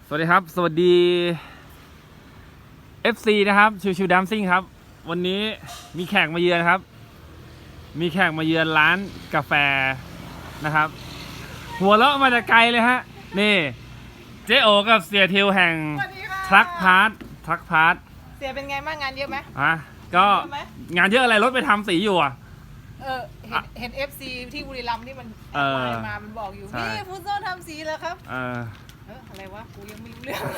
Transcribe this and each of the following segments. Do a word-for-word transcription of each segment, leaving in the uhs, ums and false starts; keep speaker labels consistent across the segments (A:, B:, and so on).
A: สวัสดีครับสวัสดี เอฟ ซี นะครับชิวชิวดัมซิ่งครับวันนี้มีแขกมาเยือนครับมีแขกมาเยือนร้านกาแฟนะครับหัวเราะมาจากไกลเลยฮะนี่เจ๊โอกับเสียทิวแห่งทรัคพาร์ททรัคพาร์ท
B: เสียเป็นไงบ้างงานเยอะไหม
A: อ่ะก็งานเยอะอะไรรถไปทำสีอยู่อ่ะ
B: เออเห็นเห็น เอฟ ซี ที่บุรีรัมย์ที่มันแอดไลน์มามันบอกอยู่นี่ฟูโซ่ทำสีแล้วครับ
A: เออ
B: เอออะไรวะกูยังไม่รู้เรื่อง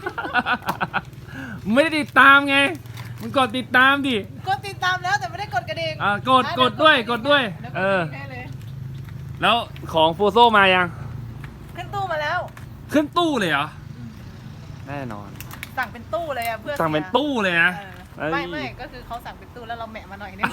A: ไม่ได้ติดตามไงมึงกดติดตามดิ
B: กดติดตามแล้วแต่ไม่ได้กดกระดิ่ง
A: อ่ากดกดด้วยกดด้วยเออแล้วของฟูโซมายัง
B: ขึ้นตู้มาแล้ว
A: ขึ้นตู้เลยเหรอแน่นอน
B: สั่งเป็นตู้เลยอะเพื่อ
A: สั่งเป็นตู้เลยนะ
B: ไม่ไม่ก็คือเขาสั่งเป็นตู้แล้วเราแหมะมาหน่อยนึง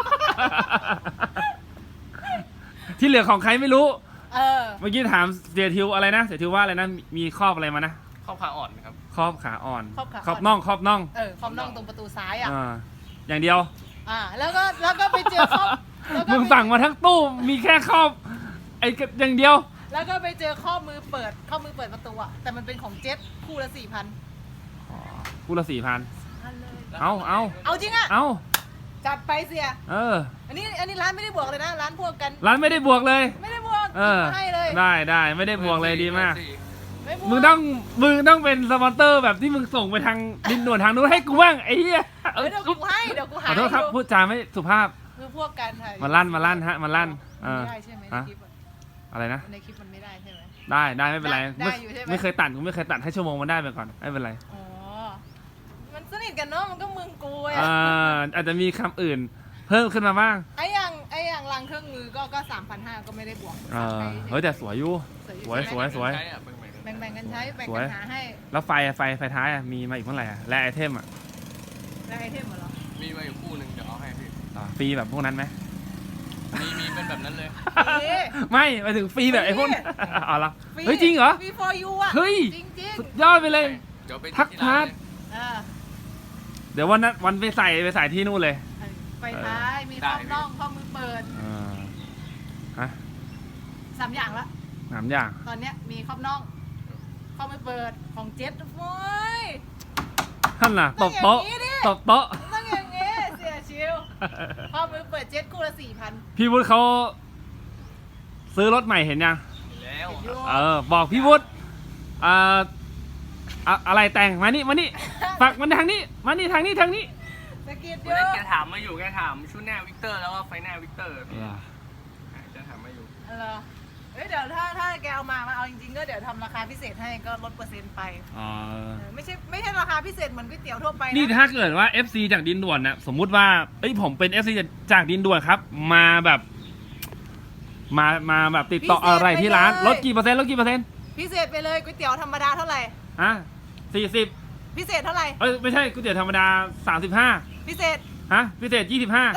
A: ที่เหลือของใครไม่รู้
B: เออ
A: เมื่อกี้ถามเสียทิวอะไรนะเสียทิวว่าอะไรนะมีครอบอะไรมานะ
C: ครอบขาอ่อนครับ
A: ครอบขาอ่อน
B: ครอบขา
A: ครอบน่องครอบน่อง
B: เออครอบน่องตรงประตูซ้ายอ่ะ
A: อย่างเดียว
B: อ่าแล้วก็แล้วก็ไปเจอครอบ
A: มึงสั่งมาทั้งตู้มีแค่ครอบไอ้อย่างเดียว
B: แล้วก็ไปเจอข้อมือเปิดข้อมือเปิดประตูอ่ะแต่มันเป็นของเจ็ตคู่ละสี่พัน
A: คู่ละสี่พันเอาเอา
B: เอาจริงอ่ะ
A: เอา
B: จัดไปเสีย
A: เออ
B: อันนี้อันนี้ร้านไม่ได้บวกเลยนะร้านพวกกัน
A: ร้านไม่ได้บวกเลย
B: ไม่ได้บวก
A: เออ
B: ให้เลย
A: ได้ได้ไม่ได้บวกเลยดีมากมึงต้องมึงต้องเป็นสปอนเตอร์แบบที่มึงส่งไปทางดินด่วนทางนู้นให้กูบ้างไอ้เหี้ย
B: เดี๋ยวกูให้เดี๋ยวกูหา
A: ขอโทษครับพูดจาไม่สุภาพ
B: คือพวกกัน
A: มาลั่นมาลั่นฮะมาลั่น
B: เออได้ใช่ไหมในคลิป
A: อะไรนะ
B: ในคลิปมันไม่ได้ใช่ไหม
A: ได้ได้ไม่เป็นไรไม่เคยตัดกูไม่เคยตัดให้ชั่วโมงมันได้ไปก่อนไม่เป็นไร
B: อ๋อมันสนิทกันเนาะมันก็มึงกู
A: อ่าอาจจะมีคำอื่นเพิ่มขึ้นมาบ้าง
B: ไอ้อย่างไอ้อย่างรังเครื่องมือก็ก็สามพันห้าก็ไม่ได้บวก
A: เออเฮ้ยแต่สวยอยู่สวยสวยสวย
B: แบ่งๆกันใช้แบ่งกันหาให้
A: แล้วไฟไฟไฟท้ายมีมาอีกเมื่อไหร่และไอเทมอ่ะ
B: และไอเทมเหรอ
C: มีมาอยู่คู่หนึ่งเดี๋ยวเอาให้พี่
A: ฟรีแบบพวกนั้นไหม
C: มีมีเป็นแบบนั้นเลย
A: ไม่ไปถึงฟรีแบบไอ้พวกเอาละเฮ้ยจริงเหรอ
B: ฟรี for you อ่ะ
A: เฮ้ย
B: จริง
A: สุดยอดไปเลยทักพาร์ทเดี๋ยววันนั้นวันไปใส่ไปใส่ที่นู่นเลย
B: ไฟท้ายมีข้อน่องข้อมือเปิด
A: ฮะ
B: สามอย่างละ
A: สามอย่าง
B: ตอนเนี้ยมีข้อน่องข้อมือเปิดของเจ็ตโว้ย
A: ท่านน่ะตบโต๊ะตบโต๊ะ
B: ต้องอย่างงี้เสียชิวข้อมือเปิดเจ็ตคู่ละสี่พัน
A: พี่วุฒิเขาซื้อรถใหม่เห็นยัง
C: แล้ว
A: เออบอกพี่วุฒิอ่าอะไรแต่งมานี่มานี่ฝักมันทางนี้มานี่ทางนี้ทางนี้
B: สกิดเย
C: อะแกถามมาอยู่แกถามชุดหน้าวิกเตอร์แล้วก็ไฟหน้าวิกเตอร์จะถามมาอยู่
B: เออเฮ้ยเดี๋ยวถ้าถ้าแกเอามามาเอาจริงๆก็เดี๋ยวทำราคาพิเศษให้ก็ลดเปอร์เซ็นต์ไป
A: อ๋อ
B: ไม่ใช่ไม่ใช่ราคาพิเศษเหมือนก๋วยเตี๋ยวทั่วไป
A: นี่ถ้าเกิดว่า เอฟ ซี จากดินด่วนนะสมมุติว่าเอ้ยผมเป็น เอฟ ซี จากดินด่วนครับมาแบบมามาแบบติดต่ออะไรที่ร้านลดกี่เปอร์เซ็นต์ลดกี่เปอร์เซ็นต์
B: พิเศษไปเลยก๋วยเตี๋ยวธรรมดาเท่าไหร่
A: ฮะสี่สิบ
B: พิเศษเท่าไหร่
A: เอ้ยไม่ใช่ก๋วยเตี๋ยวธรรมดาสามสิบห้า
B: พิเศษ
A: ฮะพิเศษยี่สิบห้า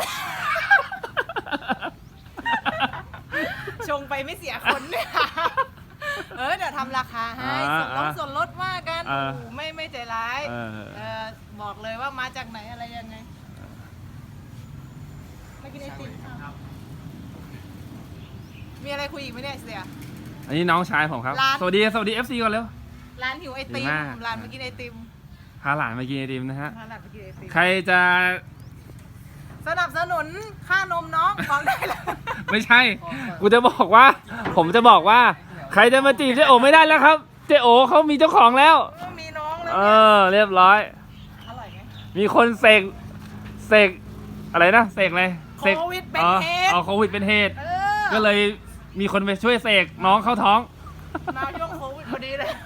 B: ชงไปไม่เสียคนเนี่ยเออเดี๋ยวทำราคาให้ส่วนลดส่วนลดว่ากันโอ้ไม่ไม่ใจร้ายเออบอกเลยว่ามาจากไหนอะไรยังไงมากินไอติมมีอะไรคุยอีกไหมเนี่ยเสีย
A: อันนี้น้องชายผมครับสวัสดีสวัสดี เอฟ ซี ก่อนเร็ว
B: ร้านหิวไอติมร้านมากินไอติม
A: พาหลานมากินไอติมนะฮะ
B: พาหลานมากินไอติม
A: ใครจะ
B: สนับสนุนค่านมน้องบอกได้เลย
A: ไม่ใช่กูจะบอกว่าผมจะบอกว่าใครจะมาจีบเจ๊โอไม่ได้แล้วครับเจ๊โอเขามีเจ้าของแล้ว
B: มีน้องแล้ว
A: เออเรียบร้อย
B: อร่อยไหม
A: มีคนเสกเสกอะไรนะเสกอะไร
B: โควิดเป็นเหตุ
A: เอาโควิดเป็นเหตุก็เลยมีคนไปช่วยเสกน้องเข้าท้อง
B: มาช่วงโควิดพอดีเลย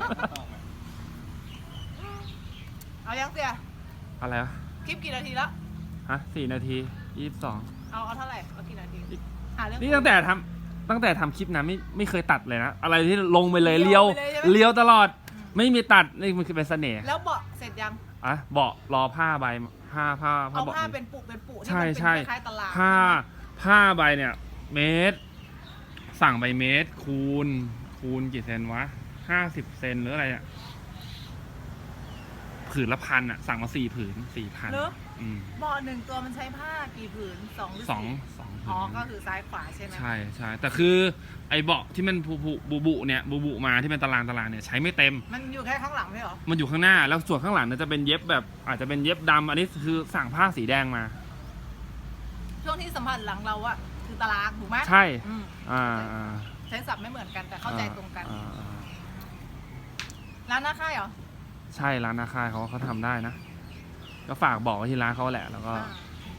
B: เอายังเสีย
A: อะไรวะ
B: คลิปกี่นาทีแล้ว
A: ฮะสี่นาทียี่สิบสอง
B: เอาเอาเท่าไหร่เอากี่นาที
A: นี่ตั้งแต่ทำตั้งแต่ทำคลิปนะไม่ไม่เคยตัดเลยนะอะไรที่ลงไปเลยเลี้ยวเลี้ยวตลอดไม่มีตัดนี่มันคือเป็นเสน่ห์
B: แล้วเบาะเสร็จยัง
A: อ่ะเบาะรอผ้าใบผ้าผ้าผ้า
B: เบาะผ้าเป็นปุกเป็นปุ
A: ใช่ใช่
B: คล้ายตลาด
A: ผ้าผ้าใบเนี่ยเมตรสั่งใบเมตรคูณคูณกี่เซนวะห้าสิบเซนหรืออะไรอ่ะผืนละพันอ่ะสั่งมาสี่ผืนสี่พันอืม
B: เบาะหนึ่งตัวมันใช้ผ้ากี่ผืนสองหรือ
A: สอง
B: สี่
A: สอง
B: อ๋อก็คือซ้ายขวาใช่ไหม
A: ใช่ใช่แต่คือไอ้เบาะที่มันบุบุบุบุเนี่ยบุบุมาที่เป็นตารางตารางเนี่ยใช้ไม่เต็ม
B: มันอยู่แค่ข้างหลังไม่เหรอ
A: มันอยู่ข้างหน้าแล้วส่วนข้างหลังเนี่ยจะเป็นเย็บแบบอาจจะเป็นเย็บดำอันนี้คือสั่งผ้าสีแดงมา
B: ช่วงที่สัมผัสหลังเราอะคือตารางถูกไหม
A: ใช่
B: อืม
A: อ่าอ่า
B: ใช้ศัพท์ไม่เหมือนกันแต่เข้าใจตรงกัน
A: อ่าอ่า
B: ร้านหน้าค่ายเหรอ
A: ใช่ร้านนาคายเขาเขาทำได้นะ ก็ฝากบอกไว้ที่ร้านเขาแหละแล้วก็
B: อ่า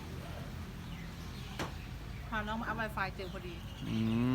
B: พาน้องมาอัพไวไฟเจอพอดี
A: อืม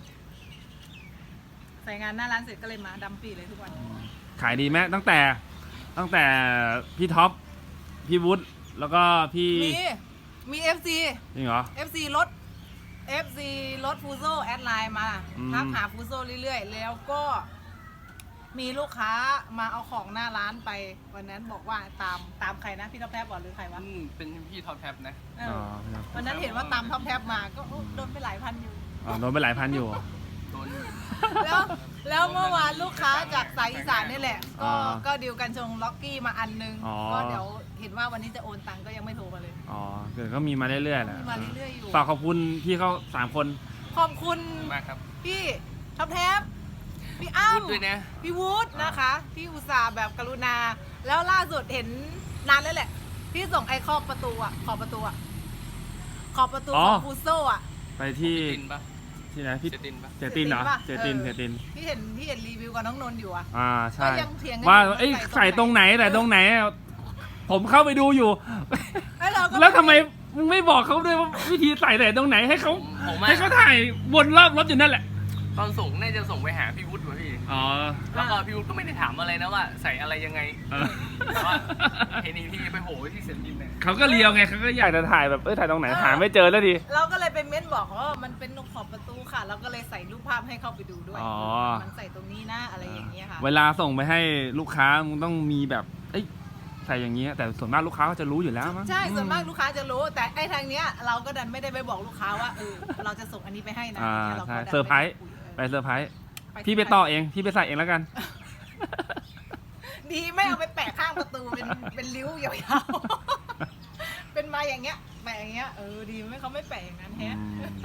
B: ใส่งานหน้าร้านเสร็จก็เลยมาดำปีเลยทุกวัน
A: ขายดีไหมตั้งแต่ตั้งแต่พี่ท็อปพี่วุฒิแล้วก็พี่
B: มีมี เอฟ ซี
A: จริงเหรอ
B: เอฟ ซี รถ เอฟ ซี รถฟูโซแอดไลน์มา
A: อืม
B: ทักหาฟูโซเรื่อยๆ แล้วก็มีลูกค้ามาเอาของหน้าร้านไป วันนั้นบอกว่าตามตามใครนะ พี่ท็อปแทบบอกหรือใครวะ
C: อืมเป็นพี่ท็อปแท็บนะ
B: เอ
A: อ๋อ
B: อ
A: ครับ
B: วันนั้นเห็นว่าตามท็อปแทบมาก็โอ้โดนไปหลายพันอยู่
A: อ๋อโดนไปหลายพันอยู่
C: โดน
B: แล้วแล้วเมื่อวานลูกค้าจากสายอีสานนี่แหละ ก็
A: อ่า
B: ก็ดีลกันชงล็อกกี้มาอันนึง
A: อ๋อ
B: ก็เดี๋ยวเห็นว่าวันนี้จะโอนตังค์ก็ยังไม่โทรมาเลย
A: อ๋อเกิดก็มีมาเรื่อยๆแหละ
B: มีมาเรื่อยๆอยู่
A: ฝากขอบคุณพี่เขาสามคน
B: ขอบคุณ
C: มากครับ
B: พี่ท็อปแท็บพี่อ้ำ
C: พูดด้วยนะ
B: พี่วูดนะคะ ที่อุตส่าห์แบบกรุณา แล้วล่าสุดเห็นนานแล้วแหละ ที่ส่งไอ้ขอบประตูอะขอบประตูอะขอบประตูของฟูโซอะ
A: ไปที่
C: เจตินปะ
A: ที่ไหนพี่
C: เจตินปะ
A: เจตินเหรอเจ
B: เจติ
A: ติน
B: น
A: เจ
B: ปะ
A: ติน
B: ที่เห็นที่เห็นรีวิวกับน้องนนท์อยู่อะ
A: อ่าใช่
B: ก็ยังเถียงกัน
A: ว่า
B: อยู่ว่า
A: เอ้ย
B: ใส่
A: ใส่ต
B: ต
A: ร
B: รง ง
A: ไห
B: ไห
A: น
B: น
A: แต่ตรงไหน ผมเข้าไปดูอยู่
B: แล้วเราก็
A: แล้วทำไมมึงไม่บอกเขาด้วยว่าวิธีใส่แต่ตรงไหนให้เขา
C: ผม
A: ให้
C: อะ
A: เขาถ่ายวนรอบรถอยู่นั่นแหละ
C: ตอนส่งน่าจะส่งไปหาพี่วุฒิวะพี่
A: อ๋อ
C: แล้วก็พี่วุฒิก็ไม่ได้ถามอะไรนะว่าใส่อะไรยังไง
A: เออ
C: แต่ว่าเห็นอีกทีไปโผล่ที่เซนตินเนี่ย
A: เขาก็เลียวไงเขาก็อยากจะถ่ายแบบเอ้ยถ่ายตรงไหนหาไม่เจอแล้วดิ
B: เราก็เลยไปเม้นบอกว่ามันเป็นขอบประตูค่ะ เราก็เลยใส่รูปภาพให้เข้าไปดูด้วย
A: อ๋อ
B: มันใส่ตรงนี้นะอะไรอย่างเงี้ยค่ะ
A: เวลาส่งไปให้ลูกค้ามึงต้องมีแบบเอ้ยใส่อย่างเงี้ยแต่ส่วนมากลูกค้าก็จะรู้อยู่แล้วมั้ง
B: ใช่ส่วนมากลูกค้าจะรู้ แต่ไอ้ทางเนี้ยเราก็ดันไม่ได้ไปบอกลูกค้าว่าเออเราจะส่งอันนี้ไปให้นะ
A: อ่า
B: เราก็
A: ใช่
B: ดัน
A: เซอร์ไพรส์
B: ม่ด้คุย
A: ไปเซอร์ไพรส์
B: เออ
A: พี่ไปต่อเองพี่ไปใส่เองแล้วกัน
B: ดีไม่เอาไปแปะข้างประตูเป็นเป็นริ้วยาวๆ เป็นมาอย่างเงี้ยแปะอย่างเงี้ยเออดีไม่เขาไม่แปะอย่างนั้นแฮะ
A: อืม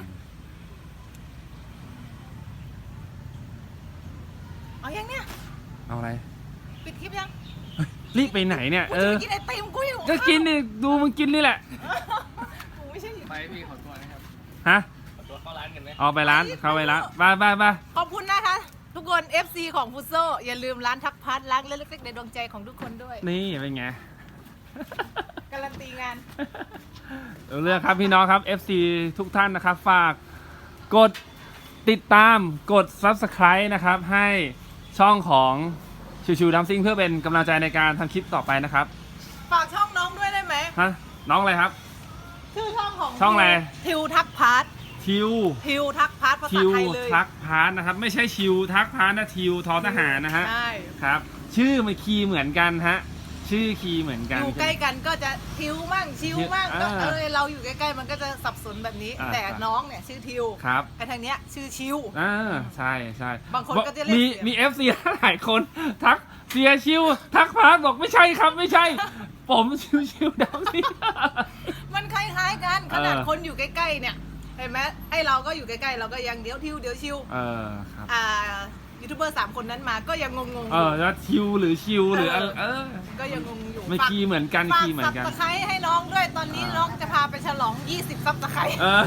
B: เอายังเนี่ย
A: เอาอะไร
B: ปิดคลิปยัง
A: รีบไปไหนเนี่ย
B: กู
A: เอ
B: จะ
A: อ
B: ไปกินไอติมกูอยู่
A: ก็กินดิดูมึงกินนี่แหละ
B: กูไม่ใช่อยู่
C: ไปพี่ขอตัวนะครับ
A: ฮะ
C: ขอตัวเข้าร้านกันไหม
A: ออกไปร้านเข้าไปร้านไปไปไป
B: ขอบคุณนะคะ ทุกคน เอฟ ซี ของฟุตโซอย่าลืมร้านทักพัดร้านเล็กๆในดวงใจของทุกคนด้วย
A: นี่เป็นไง
B: การันตีงาน
A: เอาเรื่องครับพี่น้องครับ เอฟ ซี ทุกท่านนะครับ ฝากกดติดตามกด ซับสไครบ์ นะครับ ให้ช่องของชิวชิวดัมซิงเพื่อเป็นกำลังใจในการทำคลิปต่อไปนะครับ
B: ฝากช่องน้องด้วยได้ไหม
A: ฮะน้องอะไรครับ
B: ชื่อช่องของ
A: ช่องอะไร
B: ทิวทักพัด
A: ทิว
B: ทิวทักพัดภาษา
A: ทิว
B: ไทยเลย
A: ทักพาร์ทนะครับ ไม่ใช่ชิวทักพาร์ทนะทิวทอทหารนะฮะ
B: ใช่
A: ครับ ชื่อมันคีย์เหมือนกันฮะชื่อคีย์เหมือนกัน
B: อยู่ใกล้กันก็จะทิวมั่งชิวมั่งก็
A: อ่า
B: เออเราอยู่ใกล้ๆมันก็จะสับสนแบบนี้
A: อ่า
B: แต่น้องเนี่ยชื่อทิว
A: ครับ
B: ไอ้ทางเนี้ยชื่อชิว
A: อ่าใช่ใช่
B: บางคนก็จะเรียก
A: มี
B: เสีย
A: มีเอฟซีหลายคนทักเสียชิว ทักพาร์ทบอกไม่ใช่ครับไม่ใช่ ผมชิวชิวดัมซิง
B: มันคล้ายๆกันขนาด
A: เออ
B: คนอยู่ใกล้ๆเนี่ยเห็นไหมไอ้เราก็อยู่ใกล้ๆเราก็ยังเดี๋ยวทิวเดี๋ยวชิว
A: เออครับ
B: อ่ายูทูบเบอร์สามคนนั้นมาก็ยังงงๆอ
A: เอยู่ อแล้วทิวหรือชิวหรืออะไรเออ
B: ก็ยังงงอยู่
A: ไม่คีย์เหมือนกัน
B: ฝาก
A: คีย์เหมือ
B: ซั
A: น
B: บ
A: กัน
B: สไครต์ให้น้องด้วยตอนนี้
A: อ่า
B: น้องจะพาไปฉลองยี่สิบซับสไครต์
A: เออ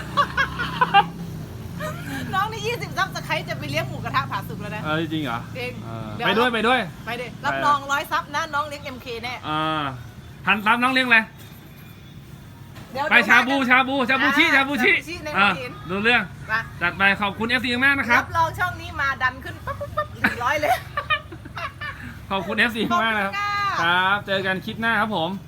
B: น้องนี่ยี่สิบซับสไครต์จะไปเลี้ยงหมูกระทะผาสุกแล้วนะ
A: เออจริงเหรอ
B: จริง
A: เออ
B: เดี๋ยว
A: ไปด้วยไปด้วย
B: ไปดิรับรองร้อยซับนะน้องเลี้ยง เอ็ม เค แน่
A: อ่าทันตามน้องเลี้ยงเลย
B: เดี๋ยว
A: ไปชาบูชาบูชาบูชิชาบูชิ
B: ชิในหั
A: อ่าว
B: หิน
A: ดูเรื่อง
B: มา
A: จัดไปขอบคุณเอฟซีมากนะครับ
B: รับรองช่องนี้มาดันขึ้นปั๊บปั๊บปั๊บหนึ่งร้อยเลย
A: ขอบคุณเอฟซีมากนะครับ
B: ขอบคุณค่ะ
A: ครับ เจอกันคลิปหน้าครับผม